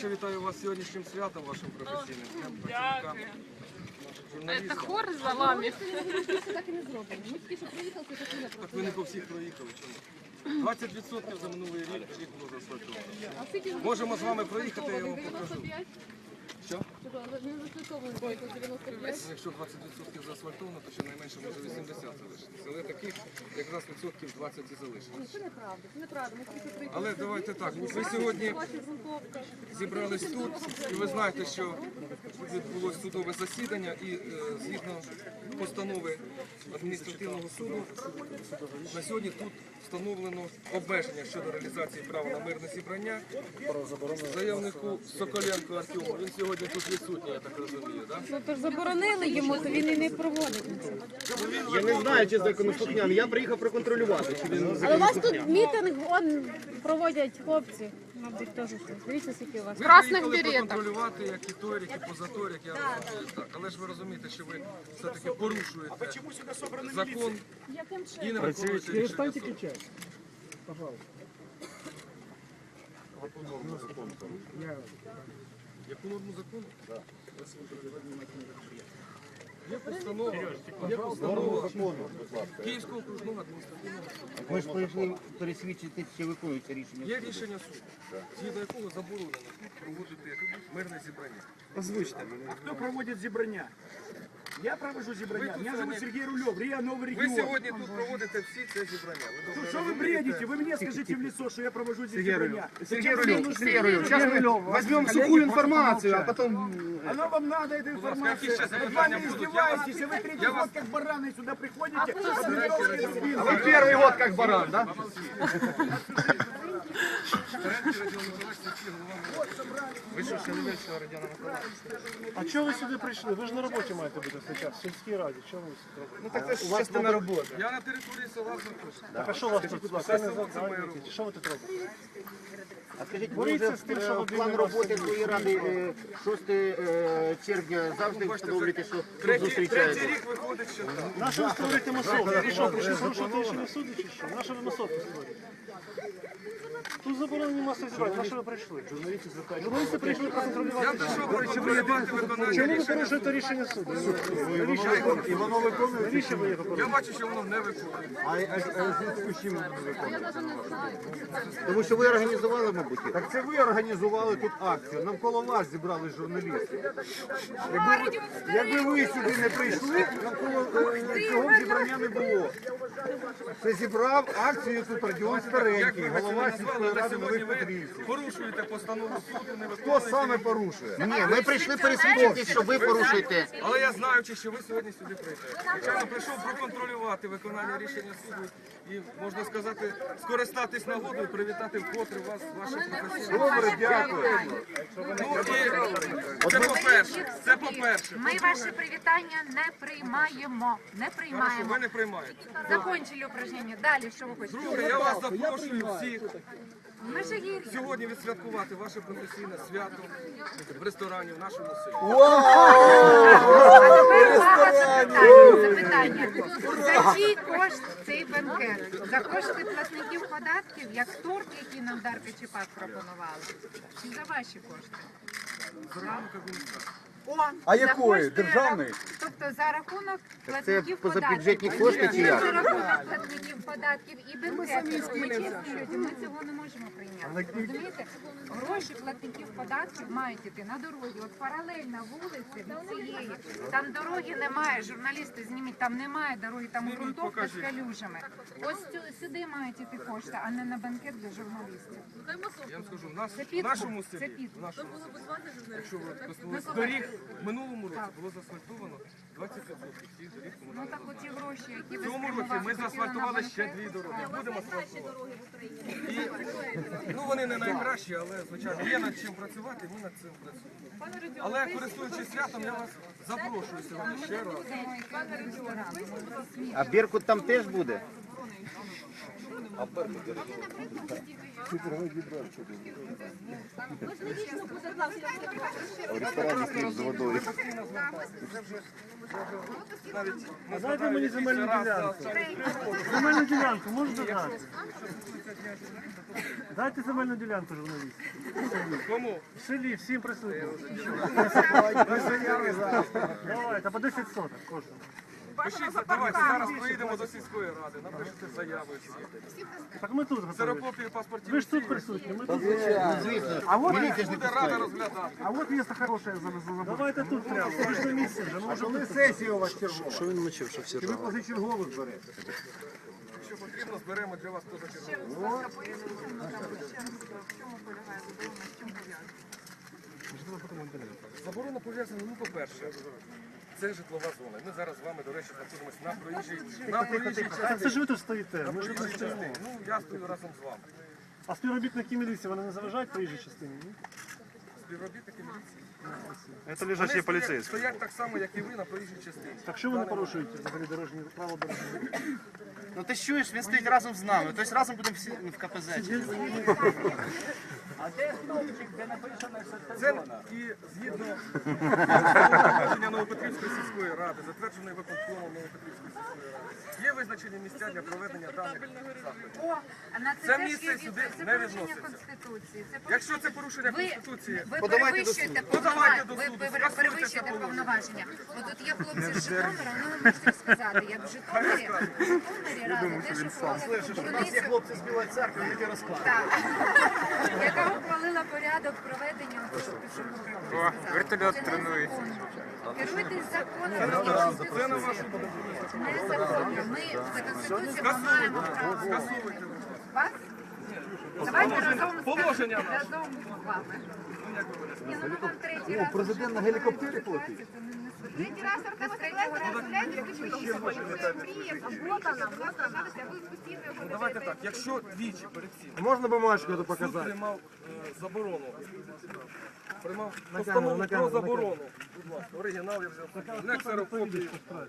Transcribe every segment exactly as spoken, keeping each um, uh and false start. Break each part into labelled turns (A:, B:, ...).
A: По-перше, вітаю вас з сьогоднішнім святом вашим професійним. Дякую.
B: Це хор за вами.
A: Так ви не по всіх проїхали, чому? двадцять відсотків за минулий рік, рік було заасфальтовано. Можемо з вами проїхати, я вам покажу. Що? Якщо двадцять відсотків заасфальтовано, то щонайменше може вісімдесят залишитися. Але таких якраз відсотків двадцять і залишилось.
C: Це неправда, це неправда.
A: Але давайте так, ви сьогодні зібрались тут, і ви знаєте, що відбулося судове засідання, і е, згідно постанови адміністративного суду, на сьогодні тут встановлено обмеження щодо реалізації права на мирне зібрання заявнику Соколенко Артему. Він сьогодні тут відсутній, я так розумію, так?
C: Ну то ж заборонили йому, то він і не проводить.
D: Я не знаю, чи законослухняний. Я приїхав проконтролювати, чи він
C: Але у вас тут мітинг он проводять хлопці. Мабуть, теж щось. Дивіться, скільки у вас.
A: Ви
B: Красних
A: приїхали
B: беретах.
A: проконтролювати, як і Торік, і позаторік, я розумію. Так, але ж ви розумієте, що ви все-таки порушуєте закон і не виконуєте рішення суду. Яку норму закону? Є постанова, є постанова Київського окружного адміністративного суду.
D: Ми ж прийшли пересвідчити, чи виконується рішення.
A: Є рішення суду, згідно якого заборонено проводити мирне зібрання.
E: Озвучьте. А кто проводит зібрання? Я провожу зібрання. Меня зовут Сергей Рулев, РИА Новый
A: Ви
E: регион.
A: сьогодні тут проводите всі це зібрання. Ви добре
E: Что вы
A: розумієте?
E: бредите? Вы мне скажите в лицо, что я провожу здесь зібрання.
D: Сергей Рулев, Сергей Рулев, сейчас мы возьмем сухую информацию, а потом...
E: Оно вам надо, эта информация. Над вами издеваетесь, и вы третий год как бараны сюда приходите.
D: А вы первый год как баран, да?
A: Ви що, Шелевельського Радіона Миколаївича?
F: А чого ви сюди прийшли? Ви ж на роботі маєте бути зараз, в сільській раді. Чого ви сюди робите?
A: Ну так це ж частина роботи. Я на території села знаходжуся.
F: Так, а що у вас тут спеціальне завдання? Що ви тут робите?
D: А скажіть, ви
F: Боріться
D: вже
F: з тим, що
D: е,
F: Володимир
D: план роботи
F: Васильович
D: своєї ради е, шостого червня завжди встановлюєте, що тут
A: Третій, третій
D: зустрічаєте?
A: рік виходить, що так.
F: На що ви створюєте масовку? Ви що, прийшли порушувати рішення суду чи що? На що ви масовку створюєте? Тут заборонені масові зібрання. На що ви прийшли? Журналісти звертають. Журналісти прийшли
A: Я
F: проконтролювати.
A: прийшов проконтролювати виконання
F: Чому ви
A: рішення.
F: порушуєте рішення суду?
A: І воно виконує.
F: Навіщо ви його
A: Я
F: порушуєте?
A: бачу, що воно не виконує.
D: Тому що ви організували, мабуть, їх.
G: Так це ви організували тут акцію, навколо вас зібрали журналісти. Якби, якби ви сюди не прийшли, навколо е, цього зібрання не було. Це зібрав акцію тут Радіон
A: Як
G: Старенький,
A: ви
G: голова
A: це
G: сільської
A: назвали, але
G: ради
A: сьогодні
G: Нових
A: ви
G: Петрівців.
A: порушуєте постанову суду, не
G: Хто
A: виконуєте.
G: саме порушує?
D: Ні, ми прийшли пересвідчити, що ви порушуєте.
A: Але я знаючи, що ви сьогодні сюди прийдете. Звичайно, прийшов проконтролювати виконання рішення суду і, можна сказати, скористатись нагодою і привітати вкотре вас, ваших професійних.
G: Добре, дякую.
A: Ну, і це по-перше, це по-перше.
H: Ми ваші привітання не приймаємо. Не
A: Хорошо,
H: приймаємо.
A: ви не приймаєте.
H: Закончили упражнення. Далі що ви хочете?
A: Друге, я вас запрошую всіх
H: Ми ж є.
A: сьогодні відсвяткувати ваше професійне свято в ресторані в нашому селі.
H: А тепер увага запитання. Запитання. За чий кошт цей банкет? За кошти платників податків, як торт, який нам Дарка Чепак пропонували? Чи за ваші кошти?
A: За рахунок адміністрації.
H: О,
G: А
H: за
G: якої?
H: кошти
G: Державної?
H: рах- Тобто за рахунок
D: Це
H: платників
D: позабюджетні
H: податків.
D: кошти чи
H: За
D: як?
H: рахунок платників податків і бенкетів. Ми чесні люди, ми цього не можемо прийняти. Розумієте? Гроші платників податків мають іти на дороги. От паралельна вулиця від цієї. Там дороги немає, журналісти зніміть, там немає дороги, там ґрунтовка з калюжами. Ось цю- сюди мають іти кошти, а не на банкет для журналістів.
A: Я вам скажу, в нас
H: Це
A: в
H: підкуп,
A: нашому
H: це
A: селі,
H: підкуп.
A: в нашому селі, якщо ви користувалися доріг, в минулому році було заасфальтовано двадцять відсотків всіх доріг
H: Ну
A: комунальної
H: так оті гроші, які
A: В
H: ви
A: цьому році
H: спрямували,
A: ми
H: хотіли на
A: заасфальтували ще
H: банкет.
A: дві дороги. Будемо асфальтувати. І, ну, вони не найкращі, але, звичайно, є над чим працювати, ми над цим працюємо. Але, користуючись святом, я вас запрошую сьогодні ще раз.
D: А Беркут там теж буде?
G: В ресторані стоїть з водою.
F: А дайте мені земельну ділянку. Земельну ділянку можете дати? Дайте земельну ділянку журналістам.
A: Кому?
F: В селі всім присутнім. Давайте, по десять соток кожному.
A: Пишіть, давайте зараз поїдемо до сільської ради, напишете заяви всі.
F: Так ми тут готові.
A: Ксерокопії паспортів.
F: Ви ж тут присутні, ми тут.
E: А вот,
A: Буде рада розглядати.
E: а вот место хорошее за, за забор.
F: Давайте тут прямо. Ви ж на місці вже. Ну,
G: А коли сесія у вас чергова? Що він мочив, що всі Чи ви позачергових берете?
A: Якщо потрібно, зберемо для вас позачергово. Заборона пов'язана, ну, по-перше, це житлова зона. Ми зараз з вами, до речі, знаходимося на проїжджій на проїжджій
F: Так це
A: частині.
F: ж ви тут стоїте.
A: На
F: Ми ж тут
A: проїжджій
F: стоїмо.
A: частині. Ну, я стою разом з вами.
F: А співробітники міліції, вони не заважають проїжджій частині? Ні?
A: Співробітники міліції.
F: Це
A: Вони стоять, стоять так само, як і ви, на проїжджій частині.
F: Так що ви не порушуєте взагалі дорожні правила дорожнього?
D: Ну ти ж чуєш, він стоїть разом з нами. Тобто разом будемо всі в КПЗ.
A: Це і згідно положення Новопетрівської сільської ради, затвердженої виконкомом Новопетрівської сільської ради, є визначені місця для проведення даних заходів.
H: О, а на це,
A: Це
H: теж
A: місце
H: є-
A: сюди
H: це
A: не
H: порушення
A: відноситься.
H: Конституції. Це
A: Якщо це
H: порушення-
A: порушення
H: Ви,
A: Конституції,
H: ви
A: подавайте до
H: перевищуєте
A: суду. Подавайте до
H: повноваження.
A: суду,
H: Ви
A: скасуйте
H: перевищуєте
A: це положення.
H: повноваження. От тут є хлопці з Житомира, ну ви можете сказати, як в Житомирі, в Житомирі рада теж ухвалила
D: Всі хлопці з Білої церкви, вони ті розкладають.
H: Так. Яка ухвалила порядок проведення О, вертольот тренується. Керуйтесь законом,
A: Це на вашу
H: незаконно. Ми за Конституцією маємо право.
A: скасовуйте.
H: Вас? Давайте разом з
A: Положення наше.
H: разом з вами. Ні, ну ми вам третій раз.
G: Президент на гелікоптері платить?
H: Третій раз Артема
A: Давайте так, якщо двічі перед цим
G: Можна бумажку
A: суд
G: показати?
A: приймав е, заборону, приймав постанову про заборону, будь ласка, оригінал я взяв, не ксерокопії.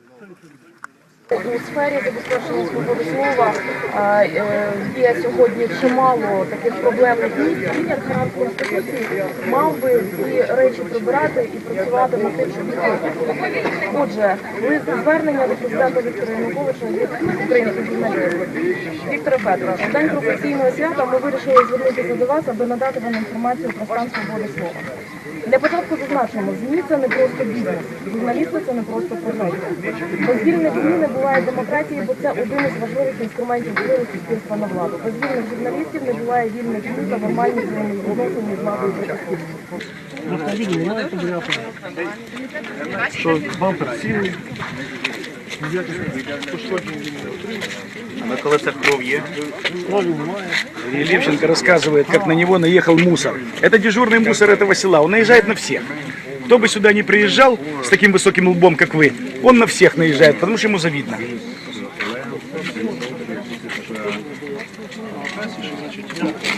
I: У сфері забезпечення свободи слова е, е, є сьогодні чимало таких проблемних місць. Він, як гарант Конституції, мав би ці речі прибирати і працювати над тим, щоб їх виправити. Отже, лист звернення до президента Віктора Януковича від українських журналістів. Віктора Петровича, в день професійного свята ми вирішили звернутися до вас, аби надати вам інформацію про стан свободи слова. Для початку зазначимо, ЗМІ – це не просто бізнес, журналісти – це не просто професія. Без вільних ЗМІ не буває демократії, бо це один із важливих інструментів впливу суспільства на владу. Без вільних журналістів не буває вільних ЗМІ та нормальні взаємовідносини між владою та суспільством.
F: Автомобілі немає подивляти. Що бампер цілий. Ніяких пошкоджень він не отримав.
E: А на колесах кров є?
F: Крові немає.
E: И Левченко рассказывает, как на него наехал мусор. Это дежурный мусор этого села, он наезжает на всех. Кто бы сюда не приезжал с таким высоким лбом, как вы, он на всех наезжает, потому что ему завидно.
F: Значить,